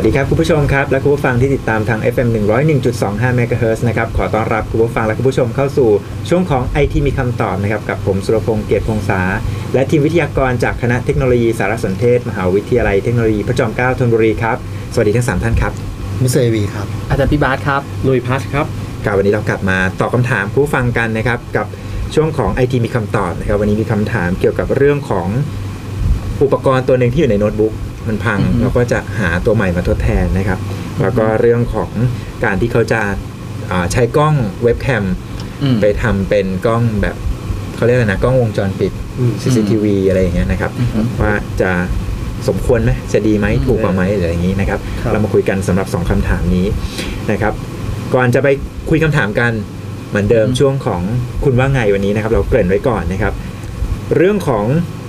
ดีครับคุณผู้ชมครับและคุณผู้ฟังที่ติดตามทาง FM 101.25 MHz นะครับขอต้อนรับคุณผู้ฟังและคุณผู้ชมเข้าสู่ช่วงของ IT มีคำตอบนะครับกับผมสุรพงษ์เกียรติพงษาและทีมวิทยากรจากคณะเทคโนโลยีสารสนเทศมหาวิทยาลัยเทคโนโลยีพระจอมเกล้าธนบุรีครับสวัสดีทั้ง3ท่านครับมิสเตอร์วีครับอาจารย์พี่บาสครับลุยพัชครับวันนี้เรากลับมาตอบคำถามผู้ฟังกันนะครับกับช่วงของ IT มีคำตอบนะครับวันนี้มีคำถามเกี่ยวกับเรื่องของอุปกรณ์ตัวหนึ่งที่อยู่ในโน้ตบุ๊กมันพังเราก็จะหาตัวใหม่มาทดแทนนะครับแล้วก็เรื่องของการที่เขาจะใช้กล้องเว็บแคมไปทำเป็นกล้องแบบเขาเรียกอะไรนะกล้องวงจรปิด CCTV อะไรอย่างเงี้ยนะครับว่าจะสมควรไหมจะดีไหมถูกกว่าไหมหรืออย่างนี้นะครับเรามาคุยกันสำหรับ2คำถามนี้นะครับก่อนจะไปคุยคำถามกันเหมือนเดิมช่วงของคุณว่าไงวันนี้นะครับเราเกริ่นไว้ก่อนนะครับเรื่องของ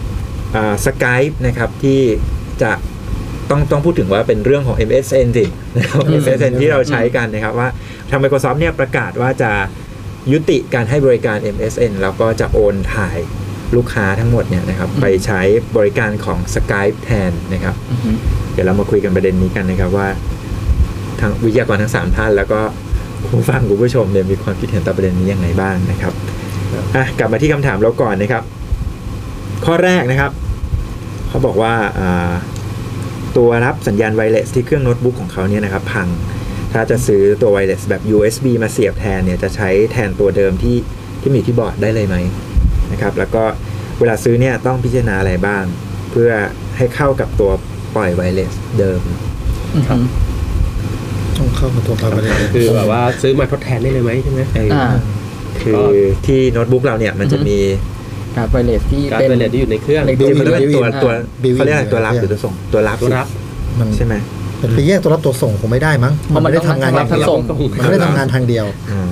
Skype นะครับที่จะต้องพูดถึงว่าเป็นเรื่องของ MSN สินะครับ MSN ที่เราใช้กันนะครับว่าทาง Microsoft เนี่ยประกาศว่าจะยุติการให้บริการ MSN แล้วก็จะโอนถ่ายลูกค้าทั้งหมดเนี่ยนะครับไปใช้บริการของ Skype แทนนะครับเดี๋ยวเรามาคุยกันประเด็นนี้กันนะครับว่าทางวิทยากรทั้ง3ท่านแล้วก็ผู้ฟังผู้ชมเนี่ยมีความคิดเห็นต่อประเด็นนี้ยังไงบ้างนะครับกลับมาที่คำถามเราก่อนนะครับข้อแรกนะครับเขาบอกว่าตัวรับสัญญาณไวเลสที่เครื่องโน้ตบุ๊กของเขาเนี่ยนะครับพังถ้าจะซื้อตัวไวเลสแบบ USB มาเสียบแทนเนี่ยจะใช้แทนตัวเดิมที่มีที่บอร์ดได้เลยไหมนะครับแล้วก็เวลาซื้อเนี่ยต้องพิจารณาอะไรบ้างเพื่อให้เข้ากับตัวปล่อยไวเลสเดิมครับต้องเข้ากับตัวปล่อยไวเลสคือแบบว่าซื้อมาทดแทนได้เลยไหมใช่ไหมคือที่โน้ตบุ๊กเราเนี่ยมันจะมีการไวเลสที่เป็นไวเลสที่อยู่ในเครื่องตัวเขาเรียกอะไรตัวรับหรือตัวส่งตัวรับมันใช่ไหมเป็นไปแยกตัวรับตัวส่งคงไม่ได้มั้งมันไม่ได้ทำงานทางเดียวมันไม่ได้ทำงานทางเดียว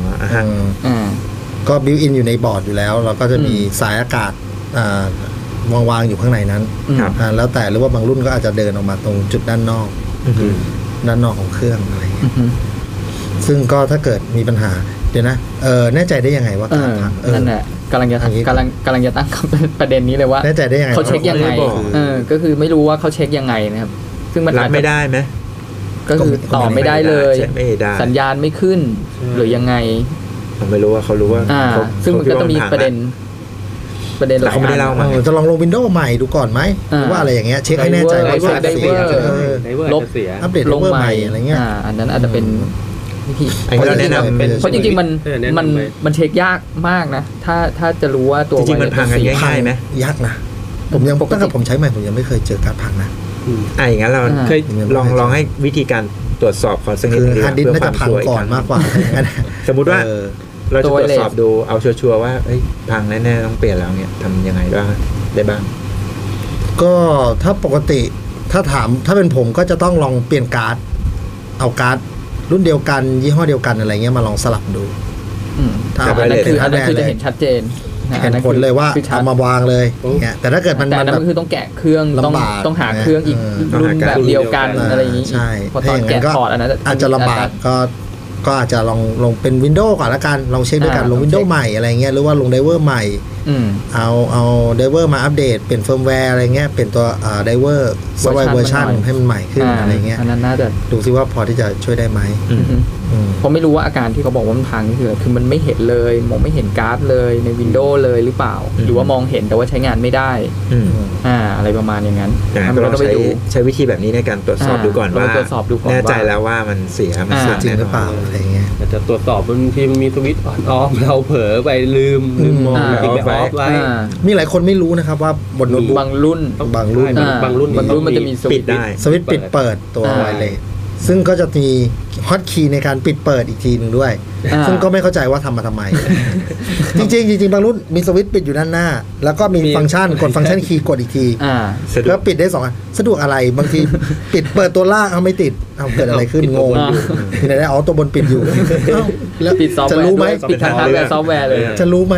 ก็บิวอินอยู่ในบอร์ดอยู่แล้วเราก็จะมีสายอากาศวางอยู่ข้างในนั้นแล้วแต่หรือว่าบางรุ่นก็อาจจะเดินออกมาตรงจุดด้านนอกของเครื่องอะไรอย่างเงี้ยซึ่งก็ถ้าเกิดมีปัญหาเดี๋ยวนะแน่ใจได้ยังไงว่าการพังนั่นแหละกำลังจะตั้งประเด็นนี้เลยว่าแน่ใจได้ยังไงเขาเช็คยังไงก็คือไม่รู้ว่าเขาเช็คยังไงนะครับซึ่งมันรับไม่ได้ไหมก็คือต่อไม่ได้เลยสัญญาณไม่ขึ้นหรือยังไงผมไม่รู้ว่าเขารู้ว่าซึ่งมันก็ต้องมีประเด็นแต่เขาไม่ได้เล่ามาจะลองลง Windows ใหม่ดูก่อนไหมหรือว่าอะไรอย่างเงี้ยเช็คให้แน่ใจว่าได้เวอร์ลบอัปเดตลงใหม่อะไรเงี้ยอันนั้นอาจจะเป็นเพราะจริงๆมันเช็คยากมากนะถ้าจะรู้ว่าตัวจริงๆมันพังกันง่ายๆไหมยากนะผมยังตั้งแต่ผมใช้ใหม่ผมยังไม่เคยเจอการพังนะอย่างนั้นเราเคยลองให้วิธีการตรวจสอบขอสักนิดนึงฮาร์ดดิสก์น่าจะพังก่อนมากกว่าสมมุติว่าเราจะตรวจสอบดูเอาชัวร์ๆว่าพังแน่ๆต้องเปลี่ยนแล้วเนี่ยทำยังไงได้บ้างก็ถ้าปกติถ้าเป็นผมก็จะต้องลองเปลี่ยนการ์ดเอาการ์ดรุ่นเดียวกันยี่ห้อเดียวกันอะไรเงี้ยมาลองสลับดูถ้าอันนั้นคือจะเห็นชัดเจนเห็นผลเลยว่าเอามาวางเลยเนี่ยแต่ถ้าเกิดมันแบบคือต้องแกะเครื่องต้องหาเครื่องอีกรุ่นแบบเดียวกันอะไรอย่างนี้ใช่พอตอนแกะถอดอันนั้นอาจจะลำบากก็อาจจะลงเป็น Windows ก่อนละกันลองเช็คด้วยกันลง Windows ใหม่อะไรเงี้ยหรือว่าลงไดเวอร์ใหม่เอาไดเวอร์มาอัปเดตเปลี่ยนเฟิร์มแวร์อะไรเงี้ยเปลี่ยนตัวไดเวอร์เวอร์ชันให้มันใหม่ขึ้นอะไรเงี้ยอันนั้นน่าจะดูซิว่าพอที่จะช่วยได้ไหมผมไม่รู้ว่าอาการที่เขาบอกว่ามันพังคือมันไม่เห็นเลยมองไม่เห็นการ์ดเลยใน Windows เลยหรือเปล่าหรือว่ามองเห็นแต่ว่าใช้งานไม่ได้อะไรประมาณอย่างนั้นเราต้องใช้วิธีแบบนี้ในการตรวจสอบดูก่อนว่าแน่ใจแล้วว่ามันเสียจริงหรือเปล่าอะไรเงี้ยจะตรวจสอบบางทีมันมีสวิตช์ออนออฟเราเผลอไปลืมมองติดไปออฟไว้มีหลายคนไม่รู้นะครับว่าบนโน้ตบุ๊กบางรุ่นมันจะมีสวิตช์ได้สวิตช์ปิดเปิดตัวไวเลสซึ่งก็จะมีฮอตคีย์ในการปิดเปิดอีกทีนึงด้วยซึ่งก็ไม่เข้าใจว่าทำมาทำไมจริงบางรุ่นมีสวิตช์ปิดอยู่ด้านหน้าแล้วก็มีฟังก์ชันกดฟังก์ชันคีย์กดอีกทีแล้วปิดได้2อันสะดวกอะไรบางทีปิดเปิดตัวล่างไม่ติดเกิดอะไรขึ้นงงทีไหนได้ตัวบนปิดอยู่แล้วจะรู้ไหมปิดทางฮาร์ดแวร์ซอฟต์แวร์เลยจะรู้ไหม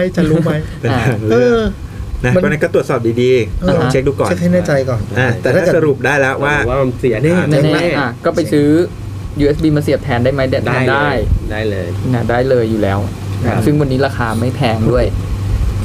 นะเพราะนั้นก็ตรวจสอบดีๆลองเช็คดูก่อนเช็คให้แน่ใจก่อนแต่ถ้าสรุปได้แล้วว่ามันเสียแน่ก็ไปซื้อ USB มาเสียบแทนได้ไหมได้เลยนะได้เลยอยู่แล้วซึ่งวันนี้ราคาไม่แพงด้วย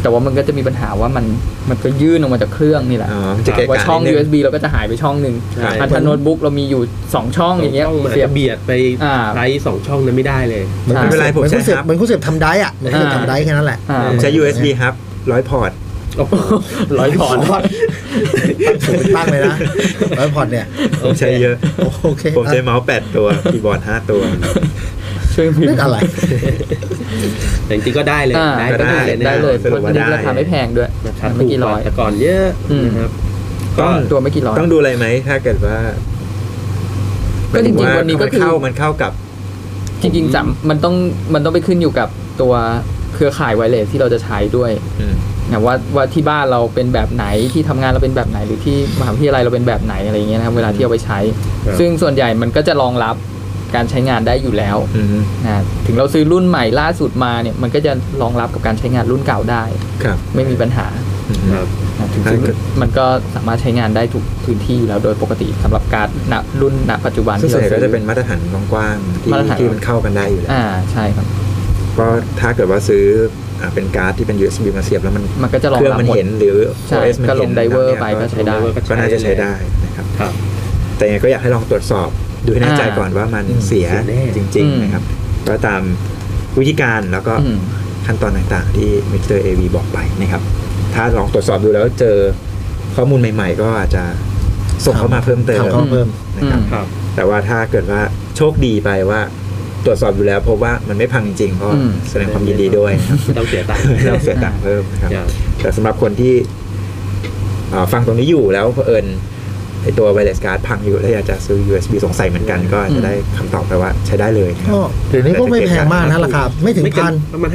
แต่ว่ามันก็จะมีปัญหาว่ามันก็ยื่นออกมาจากเครื่องนี่แหละจะเกะว่ากะช่องนิดนึง USB เราก็จะหายไปช่องหนึ่งครับถ้าโน้ตบุ๊กเรามีอยู่2ช่องอย่างเงี้ยมันเสียจะบเบียดไปาไลท์2ช่องนั้นไม่ได้เลยเหมือนไม่เป็นไรผมเหมือนใช้คุณเสียบครับเหมือนคุณเสียบทำได้อะเหมือนคุณเสียบทำได้แค่นั้นแหละผมใช้ USB ครับ100 พอร์ต 100 พอร์ตสูงเป็นตั้งเลยนะแล้วพอร์ตเนี่ยผมใช้เยอะโอเคผมใช้เมาส์8 ตัวคีย์บอร์ด5 ตัวช่วยพิมเล่นพ์อะไรแต่จริงๆก็ได้เลยก็ได้ได้เลยสรุปว่าเพราะได้ราคาไม่แพงด้วยราคาไม่ถูกกี่กร้อว่าย แต่ก่อนเยอะอืมนะครับต้องตัวไม่กี่ร้อยต้องดูอะไรไหมถ้าเกิดว่าก็จริงๆวันนี้ก็คือมันเข้ากับจริงๆมันต้องไปขึ้นอยู่กับตัวเครือข่ายไวเลสที่เราจะใช้ด้วยอืมนะว่าที่บ้านเราเป็นแบบไหนที่ทำงานเราเป็นแบบไหนหรือที่มหาวิทยาลัยเราเป็นแบบไหนอะไรอย่างเงี้ยนะครับเวลาที่เอาไปใช้ครับซึ่งส่วนใหญ่มันก็จะรองรับการใช้งานได้อยู่แล้วอืมนะถึงเราซื้อรุ่นใหม่ล่าสุดมาเนี่ยมันก็จะรองรับกับการใช้งานรุ่นเก่าได้ครับไม่มีปัญหาอืมครับนะถึงซึ่งมันก็สามารถใช้งานได้ทุกพื้นที่อยู่แล้วโดยปกติสำหรับการณรุ่นณปัจจุบันซึ่งที่ส่วนเราใหญ่ซื้ก็อจะเป็นมาตรฐานกว้างๆที่มาตรฐานที่มันเข้ากันได้อยู่แล้วใช่ครับก็ถ้าเกิดว่าซื้อเป็นการ์ดที่เป็น USB มาเสียบแล้วมันมันก็จะรองเครื่องรับมันหมดเห็นหรือใช่ OS มันก็ลเห็นงไดเวอร์แล้วไปนี่ยก็ใช้ได้ก็น่าจะใช้ได้นะครับครับแต่ยังไงก็อยากให้ลองตรวจสอบดูให้แน่ใจก่อนว่ามันเสียเสียแน่จริงๆนะครับก็ตามวิธีการแล้วก็อืมขั้นตอนต่างๆที่มิสเตอร์เอวีบอกไปนะครับถ้าลองตรวจสอบดูแล้วเจอข้อมูลใหม่ๆ ก็อาจจะส่งเข้ามาเพิ่มเติมถามเข้ามาเพิ่มนะครับครับแต่ว่าถ้าเกิดว่าโชคดีไปว่าตรวจสอบอยู่แล้วพบว่ามันไม่พังจริงๆก็แสดงความยินดีด้วยนะครับไม่ต้องเสียตังค์ไม่ต้องเสียตังค์เพิ่มนะครับครับแต่สำหรับคนที่ฟังตรงนี้อยู่แล้วเผอิญไอตัวไวเลสการ์ดพังอยู่แล้วอยากจะซื้อ USB สงสัยเหมือนกันก็จะได้คำตอบไปว่าใช้ได้เลยนะครับก็เดี๋ยวนี้ก็ไม่แพงมากนะราคาไม่ถึงไม่เกิพันประมาณ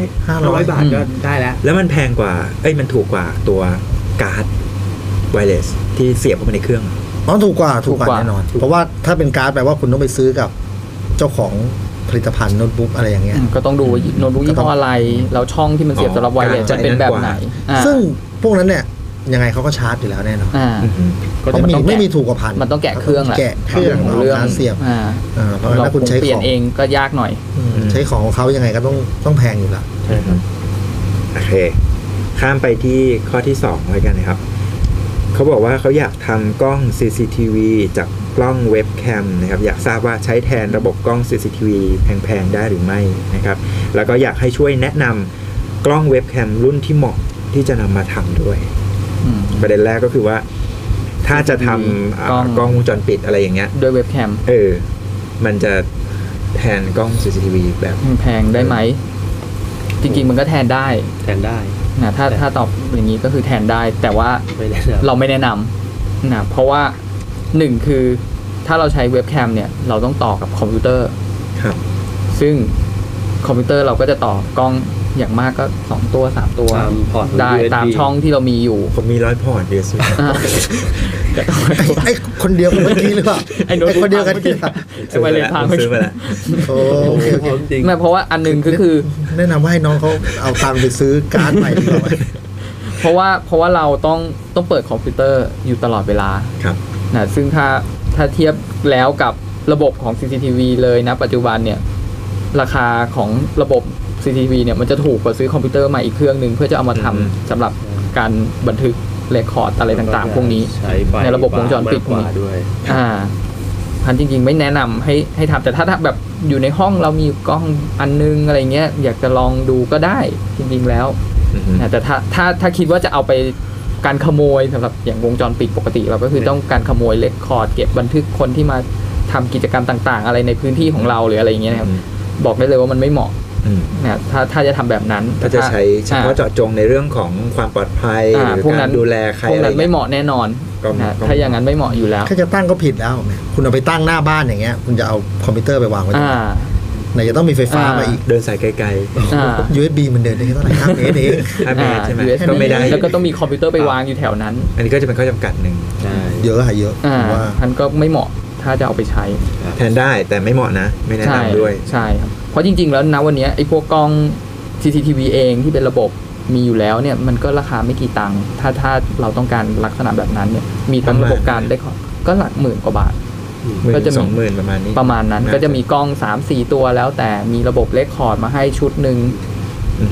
500 บาทก็ได้แล้วแล้วมันแพงกว่ามันถูกกว่าตัวการ์ดไวเลสที่เสียบเข้าไปในเครื่องอ๋อถูกกว่าแน่นอน เพราะว่าถ้าเป็นการ์ดแปลว่าคุณต้องไปซื้อกับเจ้าของผลิตภัณฑ์โน้ตบุ๊กอะไรอย่างเงี้ยก็ต้องดูว่าโน้ตบุ๊กยี่ห้ออะไรแล้วช่องที่มันเสียบสำหรับไวเลสจะเป็นแบบไหนอ่าซึ่งพวกนั้นเนี่ยยังไงเขาก็ชาร์จอยู่แล้วแน่นอนอ่าก็จะไม่มีถูกกว่าพันมันต้องแกะเครื่องแหละแกะเครื่องเรื่องเอาการเสียบ เพราะฉะนั้นเราถ้าคุณใช้เปลี่ขยนองเองก็ยากหน่อยใช้ของของเขายังไงก็ต้องแพงอยู่แล้วใช่ครับโอเค ข้ามไปที่ข้อที่2เลยกันนะครับ เขาบอกว่าเขาอยากทำกล้อง CCTV จากกล้องเว็บแคมนะครับ อยากทราบว่าใช้แทนระบบกล้อง CCTV แพงๆได้หรือไม่นะครับ แล้วก็อยากให้ช่วยแนะนำกล้องเว็บแคมรุ่นที่เหมาะที่จะนำมาทำด้วย ประเด็นแรกก็คือว่า ถ้าจะทำกล้องกล้องวงจรปิดอะไรอย่างเงี้ยด้วยเว็บแคมมันจะแทนกล้อง CCTV แบบแพงได้ไหม จริงๆมันก็แทนได้แทนได้นะถ้าตอบอย่างนี้ก็คือแทนได้ แต่ว่าไม่แนะนำเราไม่แนะนำนะเพราะว่าหนึ่งคือถ้าเราใช้เว็บแคมเนี่ยเราต้องต่อกับคอมพิวเตอร์ครับซึ่งคอมพิวเตอร์เราก็จะต่อกล้องอย่างมากก็2ตัว3ตัวตามพอร์ตได้ USB ตามช่องที่เรามีอยู่ผมมี100 พอร์ต USB อ่าก็ต้องไอ้คนเดียวกันเมื่อกี้หรือเปล่าไอ้โน้ตบุ๊กคนเดียวกันพังที่ไอ้ไวเลสพังซื้อมาแล้วโอเคพร้อมจริงไม่เพราะว่าอันหนึงก็คือแนะนำว่าให้น้องเขาเอาตังค์ไปซื้อการ์ดใหม่ดีกว่าไหมเพราะว่าเราต้องเปิดคอมพิวเตอร์อยู่ตลอดเวลาครับนะซึ่งถ้าเทียบแล้วกับระบบของ CCTV เลยนะปัจจุบันเนี่ยราคาของระบบ CCTV เนี่ยมันจะถูกกว่าซื้อคอมพิวเตอร์ใหม่อีกเครื่องหนึ่งเพื่อจะเอามาทำสำหรับการบันทึกเรคคอร์ดอะไรต่างๆพวกนี้ใช้ไฟในระบบวงจรปิดมากกว่าด้วยพันจริงๆไม่แนะนำให้ทำแต่ถ้าแบบอยู่ในห้องเรามีกล้องอันนึงอะไรเงี้ยอยากจะลองดูก็ได้จริงๆแล้วนะแต่ถ้าคิดว่าจะเอาไปการขโมยสำหรับอย่างวงจรปิดปกติเราก็คือต้องการขโมยเรคคอร์ดเก็บบันทึกคนที่มาทำกิจกรรมต่างๆ อะไรในพื้นที่ของเราหรืออะไรอย่างเงี้ยนะครับบอกได้เลยว่ามันไม่เหมาะนะถ้าจะทำแบบนั้นถ้าจะใช้เฉพาะเจาะจงในเรื่องของความปลอดภัยหรือพวกกานั้รนดูแลใครพวกอะไรนั้นไม่เหมาะแน่นอนก็นะถ้าอย่างนั้นไม่เหมาะอยู่แล้วแค่จะตั้งก็ผิดแล้วคุณเอาไปตั้งหน้าบ้านอย่างเงี้ยคุณจะเอาคอมพิวเตอร์ไปวางไว้ตรงไหนไหนจะต้องมีไฟฟ้ามาอีกเดินสายไกล USB มันเดินได้แค่เท่าไหร่5 เมตรเองๆ5 เมตรใช่ไหม USB ก็ไม่ได้แล้วก็ต้องมีคอมพิวเตอร์ไปวางอยู่แถวนั้นอันนี้ก็จะเป็นข้อจำกัดหนึ่งใช่เยอะเยอะผมว่าท่านก็ไม่เหมาะถ้าจะเอาไปใช้แทนได้แต่ไม่เหมาะนะ ไม่แนะนำด้วยใช่ครับเพราะจริงๆแล้วนะวันนี้ไอ้พวกกล้อง CCTV เองที่เป็นระบบมีอยู่แล้วเนี่ยมันก็ราคาไม่กี่ตังค์ถ้าเราต้องการลักษณะแบบนั้นเนี่ยมีทั้งระบบการได้ก็หลักหมื่นกว่าบาท 10,000 ก็จะมี 20,000ประมาณนี้ประมาณนั้นก็จะมีกล้อง 3-4 ตัวแล้วแต่มีระบบเรคคอร์ดมาให้ชุดหนึ่งเนี่ย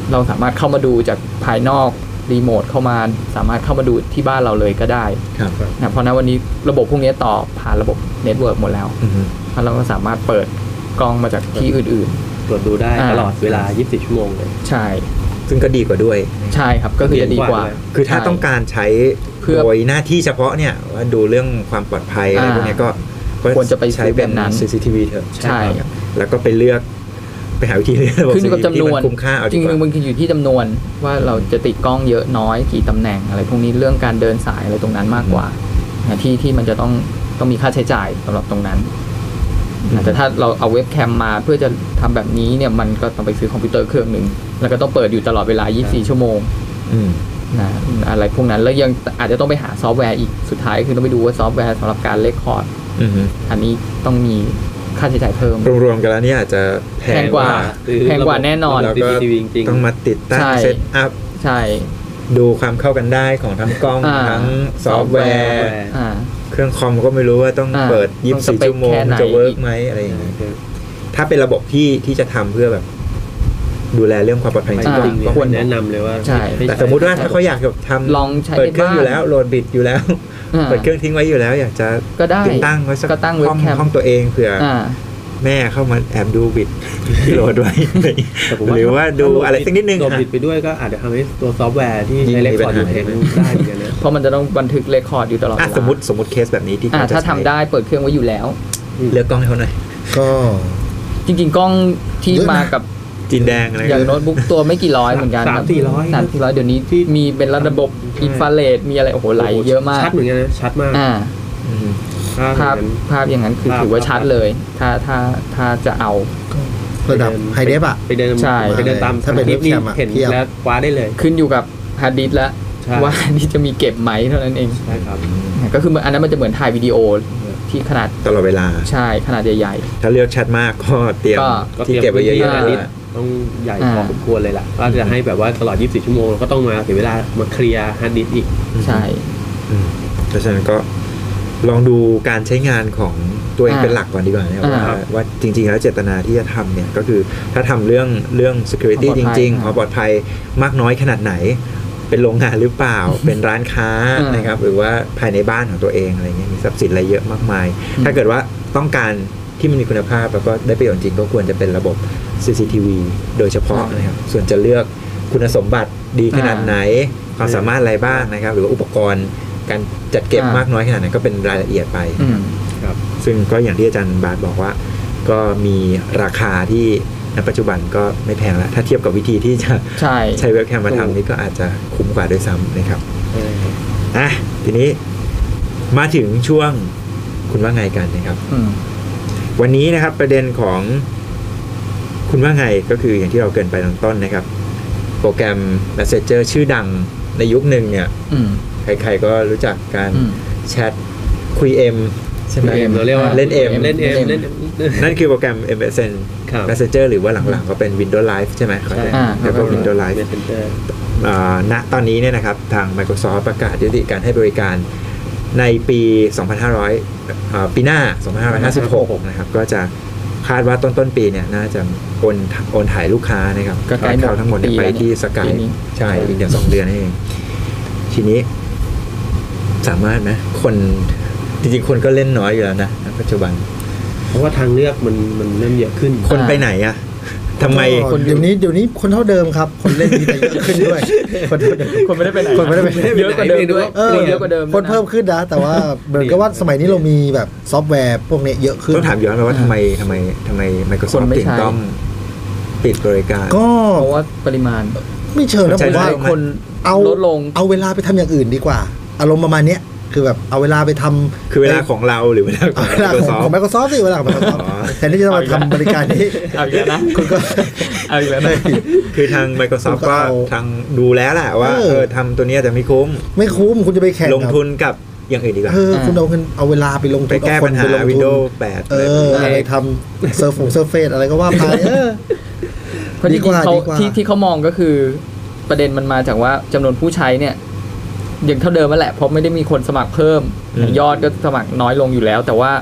เราสามารถเข้ามาดูจากภายนอกรีโมทเข้ามาสามารถเข้ามาดูที่บ้านเราเลยก็ได้ครับนะเพราะนั้นวันนี้ระบบพวกนี้ต่อผ่านระบบเน็ตเวิร์กหมดแล้วอือฮึแล้วเราก็สามารถเปิดกล้องมาจากที่อื่นตรวจดูได้ตลอดเวลา 24 ชั่วโมงเลยๆ ใช่ซึ่งก็ดีกว่าด้วยใช่ครับก็คือจะดีกว่าคือถ้าต้องการใช้เพื่อโดยหน้าที่เฉพาะเนี่ยว่าดูเรื่องความปลอดภัยอะไรพวกเนี้ยก็ควรจะไปซื้ใช้อเป็แบบนั้น CCTV เถอะใช่ครับแล้วก็ไปเลือกไปหาวิธีเลือกระบบขึ้นอยู่กับ CCTV จำนวนที่มัคุ้มค่าเอาจดีริงกว่าๆมันคืออยู่ที่จำนวนว่าเราจะติดกล้องเยอะน้อยกี่ตำแหน่งอะไรพวกนี้เรื่องการเดินสายอะไรตรงนั้นมากกว่าที่มันจะต้องมีค่าใช้จ่ายสำหรับตรงนั้นแต่ถ้าเราเอาเว็บแคมมาเพื่อจะทำแบบนี้เนี่ยมันก็ต้องไปซื้อคอมพิวเตอร์เครื่องหนึ่งแล้วก็ต้องเปิดอยู่ตลอดเวลา 24 ชั่วโมงอืมนะอะไรพวกนั้นแล้วยังอาจจะต้องไปหาซอฟต์แวร์อีกสุดท้ายคือต้องไปดูว่าซอฟต์แวร์สำหรับการเรคคอร์ดอือฮึอันนี้ต้องมีค่าใช้จ่ายเพิ่มรวมๆกันแล้วเนี่ยอาจจะแพแพงกว่า แพงกว่าแน่นอนแล้วก็ CCTV จริงๆต้องมาติดตั้งใช่เซตอัพใช่ดูความเข้ากันได้ของทั้งกล้อง ทั้งซอฟต์แวร์อ่าเครื่องคอมก็ไม่รู้ว่าต้องอ่าเปิดต้องสเปค 24 ชั่วโมงแค่ไหนจะเวิร์กไหมอะไรอย่างเงี้ยถ้าเป็นระบบที่จะทำเพื่อแบบ ดูแลเรื่องความปลอดภัยจริงจริงก็ควรแนะนำเลยว่าใช่แต่สมมุติว่าถ้าเขาอยากจะทำลองใช้เปิดเครื่องในบ้านอยู่แล้วโหลดบิตอยู่แล้วอ่าเปิดเครื่องทิ้งไว้อยู่แล้ว อยากจะก็ได้ติดตั้งไว้สักก็ตั้งเว็ห้บองแคมห้องตัวเองเผื่อออ่าแม่เข้ามาแอบดูบิตที่โหลดไว้แต่ผมหรือว่าดูอะไรสักนิดนึงโดนอ่ะผิดไปด้วยก็อาจจะทำให้ตัวซอฟต์แวร์ที่ยิ่งใช้มีเรคคอร์ดอยู่ปัญหาแทงได้เหมือนกันนะเพราะมันจะต้องบันทึกเรคคอร์ดอยู่ตลอดเวอ่ะลาสมมติเคสแบบนี้ที่อ่าเขาจะถ้าทำใช้ได้เปิดเครื่องไว้อยู่แล้วเลือกกล้องให้เขาหน่อยก็จริงๆกล้องที่เยอะนะมากับจีนแดงอะไรอย่างโน้ตบุ๊กตัวไม่กี่ร้อยเหมือนกัน 300-400เดี๋ยวนี้ที่มีเป็นระบบอินฟราเรดมีอะไรโอ้โหไหลเยอะมากชัดเหมือนกันนะชัดมากอ่าอืมภาพอย่างนั้นคือภาพถือว่าชัดเลย ถ้าจะเอาระดับไฮเดฟอ่ะไปเดินใช่ไปเดินตามถ้าเป็นคลิปนี้เว็บแคมอะเห็นเทียบแล้วคว้าได้เลยขึ้นอยู่กับฮาร์ดดิสก์แล้วใช่ว่าฮาร์ดดิสก์จะมีเก็บไหมเท่านั้นเองใช่ครับก็คืออันนั้นมันจะเหมือนถ่ายวิดีโอที่ขนาดตลอดเวลาใช่ขนาดใหญ่ถ้าเลือกชัดมากก็เตรียมก็ที่เก็บไว้เยอะๆอ่าด้วยต้องใหญ่พอสมควรเลยล่ะว่าจะให้แบบว่าตลอด 24 ชั่วโมงเราก็ต้องมาเสียเวลามาเคลียร์ฮาร์ดดิสก์อีกๆ ใช่อืมเพราะฉะนั้นก็ลองดูการใช้งานของตัวเองเป็นหลักก่อนดีกว่านะครับว่าจริงๆแล้วเจตนาที่จะทำเนี่ยก็คือถ้าทำเรื่อง security จริงๆความปลอดภัยมากน้อยขนาดไหน เป็นโรงงานหรือเปล่า เป็นร้านค้านะครับหรือว่าภายในบ้านของตัวเองอะไรเงี้ยมีทรัพย์สินอะไรเยอะมากมาย ถ้าเกิดว่าต้องการที่มันมีคุณภาพแล้วก็ได้ประโยชน์จริงก็ควรจะเป็นระบบ CCTV โดยเฉพาะนะครับส่วนจะเลือกคุณสมบัติดีขนาดไหนความสามารถอะไรบ้างนะครับหรือว่าอุปกรณ์การจัดเก็บมากน้อยขนาดไหนก็เป็นรายละเอียดไปอืมซึ่งก็อย่างที่อาจารย์บาทบอกว่า ก็มีราคาที่ณปัจจุบันก็ไม่แพงแล้วถ้าเทียบกับวิธีที่จะใช่ใช้เว็บแคมมาทำนี่ก็อาจจะคุ้มกว่าด้วยซ้ำนะครับอ่ะทีนี้มาถึงช่วงคุณว่าไงกันนะครับอืมวันนี้นะครับประเด็นของคุณว่าไงก็คืออย่างที่เราเกรินไปตอนต้นนะครับ โปรแกรม Messenger ชื่อดังในยุคหนึ่งเนี่ยอืมใครๆก็รู้จักการอืมแชทคุย M ใช่ไหมเอ็มเราเรียกว่าเล่น M เล่นเอ็มเล่นนั่นคือโปรแกรม MSN ครับ Messenger หรือว่าหลังๆก็เป็น Windows Live ใช่ไหมใช่แล้วก็ Windows Live เมสเซนเจอร์ณตอนนี้เนี่ยนะครับทาง Microsoft ประกาศยุติการให้บริการในปี ปีหน้า 2556 นะครับก็จะคาดว่าต้นปีเนี่ยน่าจะโอนถ่ายลูกค้านะครับก็ใกล้หมดเขาทั้งหมดเนี่ยปีไปแล้วที่สกายปีนี้ใช่อีกเดือน2 เดือนนั่นเองทีนี้สามารถไหมคนจริงๆคนก็เล่นน้อยอยู่แล้วนะณปัจจุบันเพราะว่าทางเลือกมันเริ่มเยอะขึ้นคนไปไหนอะทำไมก็เดี๋ยวนี้คนเท่าเดิมครับ คนเล่นมีแต่เยอะขึ้นด้วย คนเท่าเดิมคนไม่ได้ไปไหนคนไม่ได้ไปไหนเยอะกว่าเดิมด้วยเออเยอะกว่าเดิมคนเพิ่มขึ้นนะแต่ว่าเหมือนกับว่าสมัยนี้เรามีแบบซอฟต์แวร์พวกนี้เยอะขึ้นต้องถามย้อนไปว่าทำไมค Microsoft นไม่ถึงใช้ต้องปิดบริการก็เพราะว่าปริมาณไม่เชิงนะผมว่าคนเอาลดลงเอาเวลาไปทำอย่างอื่นดีกว่า อารมณ์ประมาณเนี้ยคือแบบเอาเวลาไปทำคือเวลาของเราหรือเวลาขเอาองเวลาของ Microsoft Microsoft สิเวลาของ Microsoft อ๋อแทนที่จะมาทำบริการนี้เอาอีกแล้วนะคุณก็เอาอีกแล้วนะคือทาง Microsoft คุณก็ก็เอาทางดูแล้วแหละว่าทำตัวเนี้ยจะไม่คุ้มไม่คุ้มคุณจะไปแข่งลงทุนกับอย่างอื่นดีกว่าคุณเอาเวลาไปลงทุนไปแก้ปัญหาเอคนไปลงทุน Windows 8 อะไรทำเซิร์ฟเฟซอะไรก็ว่าไปเพราะจดีริกงว่าๆเขาดีกว่าที่เขามองก็คือประเด็นมันมาจากว่าจำนวนผู้ใช้เนี่ยยังเท่าเดิมนั่นแหละเพราะไม่ได้มีคนสมัครเพิ่มอืมยอดก็สมัครน้อยลงอยู่แล้ว แต่ว่า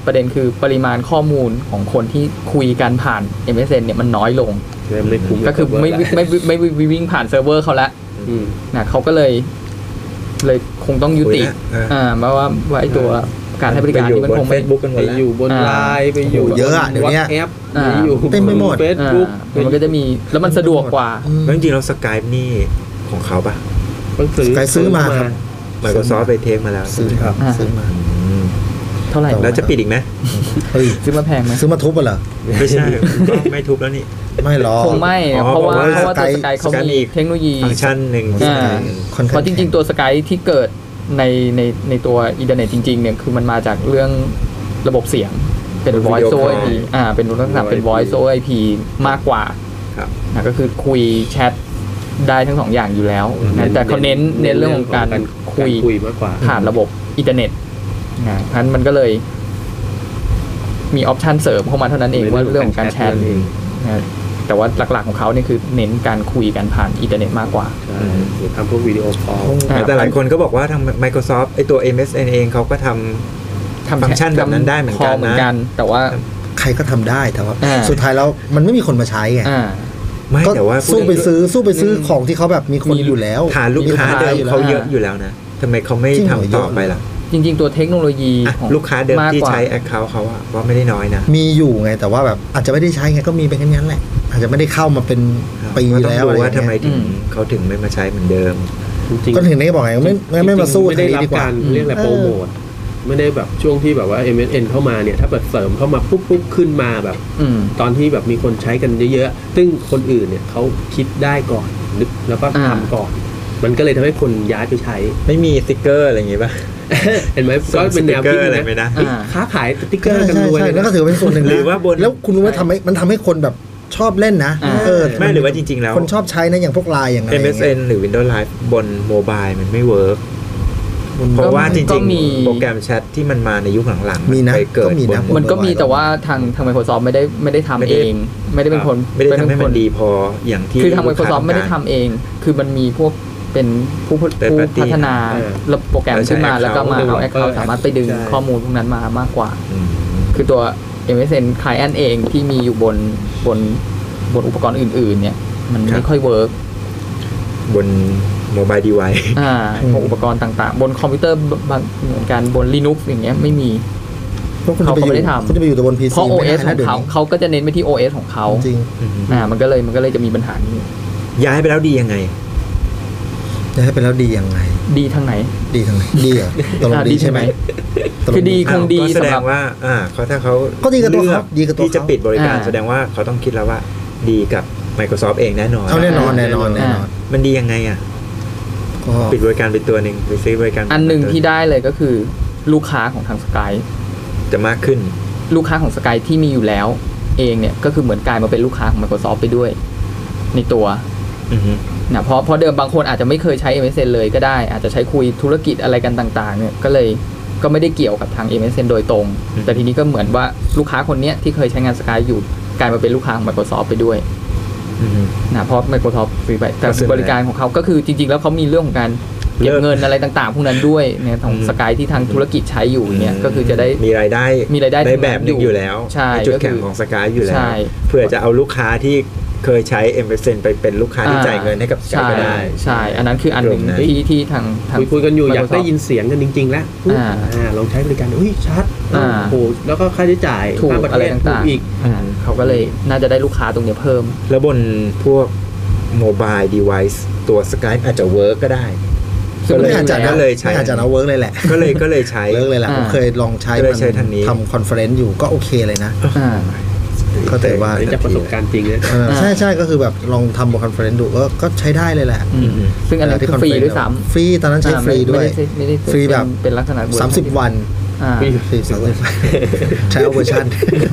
ประเด็นคือปริมาณข้อมูลของคนที่คุยกันผ่าน MSN เนี่ยมันน้อยลงไม่คุ้มก็คือไม่วิ่งผ่านเซิร์ฟเวอร์เขาละนะเขาก็เลยคงต้องยุติเพราะว่าไอ้ตัวการให้บริการนี่มันคงไม่ Facebook กันหมดไปแล้วอยู่บนไลน์ไปอยู่เยอะอะเดี๋ยวนี้แอปไปอยู่เต็มไปหมดเฟซบุ๊กมันก็จะมีแล้วมันสะดวกกว่าแล้วจริงๆแล้ว Skype นี่ของเขาปะ Skype ซื้อมาครับ Microsoft ไปเทคมาแล้วซื้อครับซื้อมาเท่าไหร่แล้วจะปิดอีกไหมเฮ้ยซื้อมาแพงไหมซื้อมาทุบเหรอไม่ใช่ก็ไม่ทุบแล้วนี่ไม่หรอกคงไม่อ๋อเพราะว่าเพราะว่าตัว Skype สกายเขา Skype มีเทคโนโลยีฟังก์ชันหนึ่งค่อนข้างเพราะจริงๆตัวสกายที่เกิดในตัวอินเทอร์เน็ตจริงๆเนี่ยคือมันมาจากเรื่องระบบเสียงเป็น voice over IP เป็นลักษณะเป็น voice over IP มากกว่าครับก็คือคุยแชทได้ทั้งสองอย่างอยู่แล้วนะแต่เขาเน้นเรื่องของการคุยมากกว่าผ่านระบบอินเทอร์เน็ตนะเพราะฉะนั้นมันก็เลยมีออปชันเสริมเข้ามาเท่านั้นเองว่าเรื่องของการแชทนะแต่ว่าหลักๆของเขาเนี่ยคือเน้นการคุยกันผ่านอินเทอร์เน็ตมากกว่าหรือทำพวกวิดีโอคอลแต่หลายคนก็บอกว่าทาง Microsoft ไอตัว MSN เองเขาก็ทำฟังก์ชันแบบนั้นได้เหมือนกันนะแต่ว่าใครก็ทำได้แต่ว่าอ่าสุดท้ายแล้วมันไม่มีคนมาใช้ไงไม่ก็แต่ว่าสู้ไปซื้อของที่เขาแบบมีคนอยู่แล้วฐานลูกค้าเดิมเขาเยอะอยู่แล้วนะทำไมเขาไม่ทำต่อไปล่ะจริงๆตัวเทคโนโลยีอ่ะของลูกค้าเดิมที่กกว่ใช้ Account เขาอะว่าไม่ได้น้อยนะมีอยู่ไงแต่ว่าแบบอาจจะไม่ได้ใช้ไงก็มีเป็นแค่นั้นแหละ อาจจะไม่ได้เข้ามาเป็นปีก็ต้องแล้วดูอะไรว่าทำไมเงี้ยถึงเขาถึงไม่มาใช้เหมือนเดิมจริงๆก็ถึงได้บอกไงไม่มาสู้ไม่ทางได้นี้รับดีกว่าการเรียกอะไรโปรโมทไม่ได้แบบช่วงที่แบบว่า MSN เข้ามาเนี่ยถ้าแบบเสริมเข้ามาปุ๊บขึ้นมาแบบ ตอนที่แบบมีคนใช้กันเยอะๆซึ่งคนอื่นเนี่ยเขาคิดได้ก่อนนึกแล้วก็ทำก่อน มันก็เลยทำให้คนย้ายไปใช้ไม่มีสติ๊กเกอร์อะไรอย่างงี้ป่ะเห็นไหมก็เป็นแนวคิดอะไรนะไม่ได้ค้าขายสติ๊กเกอร์กันใช่รวยใช่เลยแล้วก็ถือเป็นส่วนหนึ่งนะหรือว่าบนแล้วคุณรู้ว่ามันทำให้คนแบบชอบเล่นนะไม่หรือว่าจริงๆแล้วคนชอบใช้นะอย่างพวกไลน์อย่างไร MSN หรือ Windows Live บนโมบายมันไม่เวิร์กเพราะว่าจก็ริงมีๆ โปรแกรมแชทที่มันมาในยุคหลังๆมีนะไปเกิดก็มีนะบมันก็มีแต่ว่าทาง Microsoft ไม่ได้ทำเอง ไม่ได้เป็นคนไม่ได้ทำให้มันดีพออย่างที่คือทางลูกค้ Microsoft ไม่ได้ทำเอง คือมันมีพวกเป็นผู้พัฒนาระบบโปรแกรมขึ้นมาแล้วก็มาเอา Account สามารถไปดึงข้อมูลพวกนั้นมามากกว่าอืมคือตัว MSN Client เองที่มีอยู่บนอุปกรณ์อื่นๆเนี่ยมันไม่ค่อยเวิร์กบนโมบายดีไวซ์พวกอุปกรณ์ต่างๆ บนคอมพิวเตอร์บางเหมือนกันบน Linux อย่างเงี้ยไม่มี เขาก็ไม่ได้ทำคุณจะไปอยู่แต่บน PC เพราะไม่ได้ OS ขนะองดี๋ยวเขานี้เขาก็จะเน้นไปที่ OS ของเขาจริงมันก็เลยจะมีปัญหานี้ย้ายไปแล้วดียังไงจะให้เป็นแล้วดียังไงดีทางไหนดีทางไหนดีเหรอตกลงดีใช่ไหมตกลงคือดีคงดีก็แสดสำหรังบว่าเขาถ้าเขาก็ดีกับตัวเขาลือกดีกับตัวเขาที่จะปิดบริการอ่าแสดงว่าเขาต้องคิดแล้วว่าดีกับ Microsoft เองแน่นอนเอาแน่นอนแน่นอนมันดียังไงอ่ะก็ปิดบริการไปตัวหนึ่งไปซื้อบริการอันหนึ่งที่ได้เลยก็คือลูกค้าของทางสกายจะมากขึ้นลูกค้าของสกายที่มีอยู่แล้วเองเนี่ยก็คือเหมือนกลายมาเป็นลูกค้าของ Microsoft ไปด้วยในตัวอือฮึนะเพราะเดิมบางคนอาจจะไม่เคยใช้ MSN เลยก็ได้ อาจจะใช้คุยธุรกิจอะไรกันต่างๆเนี่ยก็ไม่ได้เกี่ยวกับทาง MSN โดยตรง แต่ทีนี้ก็เหมือนว่าลูกค้าคนเนี้ยที่เคยใช้งานสกายอยู่กลายมาเป็นลูกค้าของ Microsoft ไปด้วยอือฮึนะเพราะ Microsoft ซื้อไปแต่ก็ซื้อไปบริการของเขาก็คือจริงๆแล้วเขามีเรื่องของการเก็บเงินอะไรต่างๆพวกนั้นด้วยเนี่ยของสกายที่ทางธุรกิจใช้อยู่เนี่ยก็คือจะได้มีรายได้ได้แบบหนึงอยู่แล้วใช่จุดก็คือแข็งของสกายอยู่แล้ใช่วเพื่อจะเอาลูกค้าที่เคยใช้ MSN ไปเป็นลูกค้าที่จ่ายเงินให้กับสกายก็ได้ใช่อันนั้นคืออันหนึ่งตรงนั้นที่ทางคุยกันอยู่อยาก Microsoft ได้ยินเสียงกันจริงๆแล้วลองใช้บริการชัดโอ้โหแล้วก็ค่าใช้จ่ายถูกค่าประอะไรเทศถูต่าก งอีกๆเขาก็เลยน่าจะได้ลูกค้าตรงเนี้ยเพิ่มแล้วบนพวกโมบายเดเวิ์ตัว Skype อาจจะเวิร์กก็ได้ซึ่งไม่อาจจะก็เลยใช้ไม่อาจจะเอาเวิร์กเลยแหละก็เลยใช้เวิร์กเลยแหละผมเคยลองใช้ก็เลยใช้ทางนี้ทำคอนเฟอเรนซ์อยู่ก็โอเคเลยนะ ก็ถือว่านี่จากประสบการณ์จริงนะใช่ก็คือแบบลองทำบนคอนเฟอเรนซ์ดูก็ใช้ได้เลยแหละซึ่งอันนั้นคือฟรีด้วยซ้ำฟรีตอนนั้นใช้ฟรีด้วยไม่ได้ฟรีแบบเป็นลักษณะ 30 วัน ฟรี30 วันใช้เอาเวอร์ชัน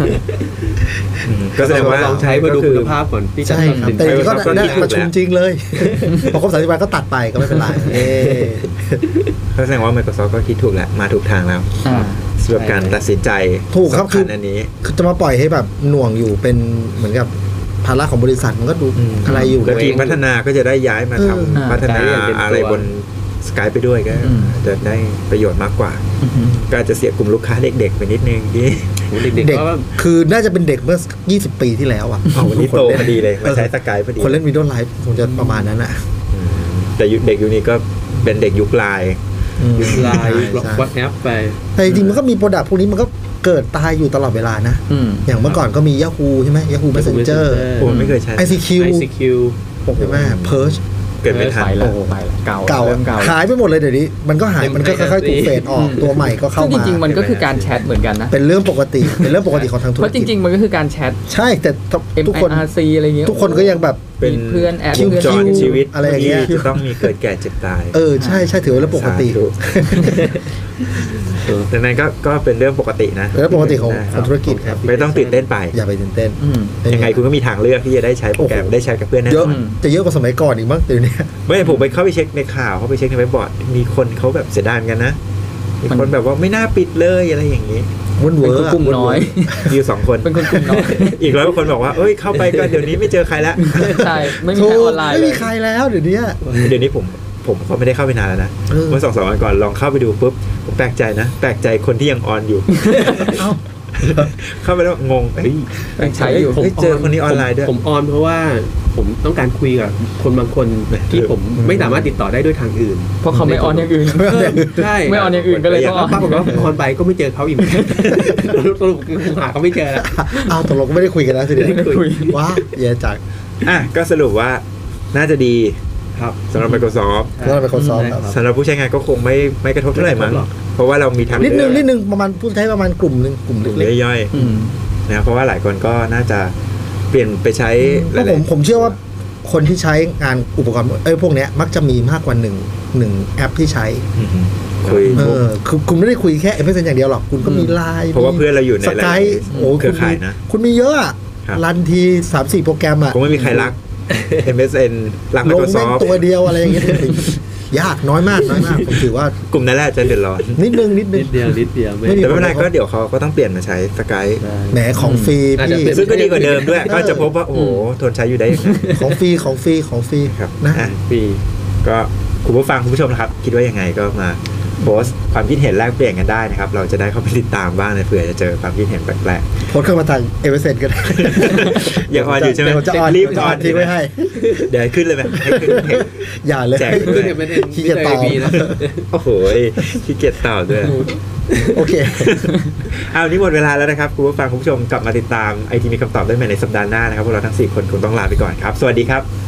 ก็แสดงว่าลองใช้มาดูคุณภาพก่อนที่จะใช่ครับตัดสินใจแต่ก็ก็ได้คิดถูกประชุมจริงเลย พอครบ30 วันก็ตัดไปก็ไม่เป็นไรก็แสดงว่า Microsoft ก็คิดถูกแหละมาถูกทางแล้วสำหรับการตัดสินใจถูกครับสำคัญอันนี้คือจะมาปล่อยให้แบบหน่วงอยู่เป็นเหมือนกับภาระของบริษัทมันก็ดูอะไรอยู่แล้วทีมพัฒนาก็จะได้ย้ายมาทำพัฒนาอะไรบน Skype ไปด้วยก็จะได้ประโยชน์มากกว่าก็อาจจะเสียกลุ่มลูกค้าเด็กๆไปนิดนึงที่เด็กเด็กๆก็คือน่าจะเป็นเด็กเมื่อ20 ปีที่แล้วอ่ะวันนี้โตพอดีเลยมาใช้ Skype พอดีคนเล่น Windows Live คงจะประมาณนั้นอ่ะแต่เด็กยุคนี้ก็เป็นเด็กยุคไลน์ไลน์วัดแอปไปแต่จริงๆมันก็มีโปรดักต์พวกนี้มันก็เกิดตายอยู่ตลอดเวลานะอย่างเมื่อก่อนก็มี Yahoo ใช่ไหม Yahoo Messenger ผมไม่เคยใช้ ICQ ใช่ไหม Perch เกิดไม่ทันเก่าหายไปหมดเลยเดี๋ยวนี้มันก็หายมันก็ค่อยๆถูกเฟดออกตัวใหม่ก็เข้ามาจริงๆมันก็คือการแชทเหมือนกันนะเป็นเรื่องปกติของทางธุรกิจเพราะจริงๆมันก็คือการแชทใช่แต่ทุกคน MIRC อะไรเงี้ยทุกคนก็ยังแบบเป็นเพื่อนแอดคิวจรชีวิตอะไรอย่างเงี้ยจะต้องมีเกิดแก่เจ็บตายใช่ถือว่าเรื่องปกติดังนั้นก็เป็นเรื่องปกตินะเรื่องปกติของธุรกิจครับไม่ต้องตื่นเต้นไปอย่าไปตื่นเต้นยังไงคุณก็มีทางเลือกที่จะได้ใช้โปรแกรมได้ใช้กับเพื่อนแน่นอนจะเยอะกว่าสมัยก่อนอีกมั้งเดี๋ยวนี้ไม่ผมไปเข้าไปเช็คในข่าวเขาไปเช็คในเว็บบอร์ดมีคนเขาแบบเสียดายกันนะมีคนแบบว่าไม่น่าปิดเลยอะไรอย่างนี้วนเวอร์กลุ่มน้อยมีอยู่2 คนเป็นคนกลุ่มน้อยอีก100 คนบอกว่าเอ้ยเข้าไปก็เดี๋ยวนี้ไม่เจอใครแล้วใช่ไม่มีใครออนไลน์ไม่มีใครแล้วเดี๋ยวนี้ผมก็ไม่ได้เข้าไปนานแล้วนะเมื่อ2-3 วันก่อนลองเข้าไปดูปุ๊บผมแปลกใจคนที่ยังออนอยู่เข้าไปแล้วงงใช้อยู่เจอคนนี้ออนไลน์ด้วยผมออนเพราะว่าผมต้องการคุยกับคนบางคนที่ผมไม่สามารถติดต่อได้ด้วยทางอื่นเพราะเขาไม่ออนอย่างอื่นใช่ไม่ออนอย่างอื่นก็เลยต้องปรากฏว่าออนไปก็ไม่เจอเขาอีกสรุปคือหาเขาไม่เจอแล้วตกลงก็ไม่ได้คุยกันแล้วสิเดี๋ยวว้าแย่จังก็สรุปว่าน่าจะดีสำหรับ Microsoft สำหรับผู้ใช้งานก็คงไม่กระทบเท่าไหร่มั้งเพราะว่าเรามีทางนิดนึงประมาณผู้ใช้ประมาณกลุ่มนึงกลุ่มเล็กย่อยๆนะเพราะว่าหลายคนก็น่าจะเปลี่ยนไปใช้ผมเชื่อว่าคนที่ใช้งานอุปกรณ์พวกนี้มักจะมีมากกว่า1แอปที่ใช้คุยคือคุณไม่ได้คุยแค่ MSN อย่างเดียวหรอกคุณก็มี LINE เพราะว่าเพื่อนเราอยู่ใน Skype เครือข่ายนะคุณมีเยอะรันที 3-4 โปรแกรมคงไม่มีใครรักMSN รัก Microsoft ลงตัวเดียวอะไรอย่างเงี้ยยากน้อยมากผมถือว่ากลุ่มนั้นแหละจะเดือดร้อนนิดนึงเดียวแต่ไม่เป็นไรก็เดี๋ยวเขาก็ต้องเปลี่ยนมาใช้ Skype แหมของฟรีพี่ซึ่งก็ดีกว่าเดิมด้วยก็จะพบว่าโอ้โหทนใช้อยู่ได้ยังไงของฟรีครับนะฟรีก็คุณผู้ฟังคุณผู้ชมนะครับคิดว่ายังไงก็มาโพสต์ความคิดเห็นแลกเปลี่ยนกันได้นะครับเราจะได้เข้าไปติดตามบ้างเผื่อจะเจอความคิดเห็นแปลกๆโพสต์เข้ามาทางMSNก็ได้ยังออนอยู่ใช่ไหมรีบออนทิ้งไว้ให้เดี๋ยวขึ้นเลยไหมให้ขึ้นอย่าเลยแจกขึ้นไม่ได้ขี้เกียจต่อโอ้โหขี้เกียจต่อด้วยโอเคนี่หมดเวลาแล้วนะครับคุณผู้ฟังคุณผู้ชมกลับมาติดตามไอทีมีคำตอบได้ใหม่ในสัปดาห์หน้านะครับพวกเราทั้ง4 คนคงต้องลาไปก่อนครับสวัสดีครับ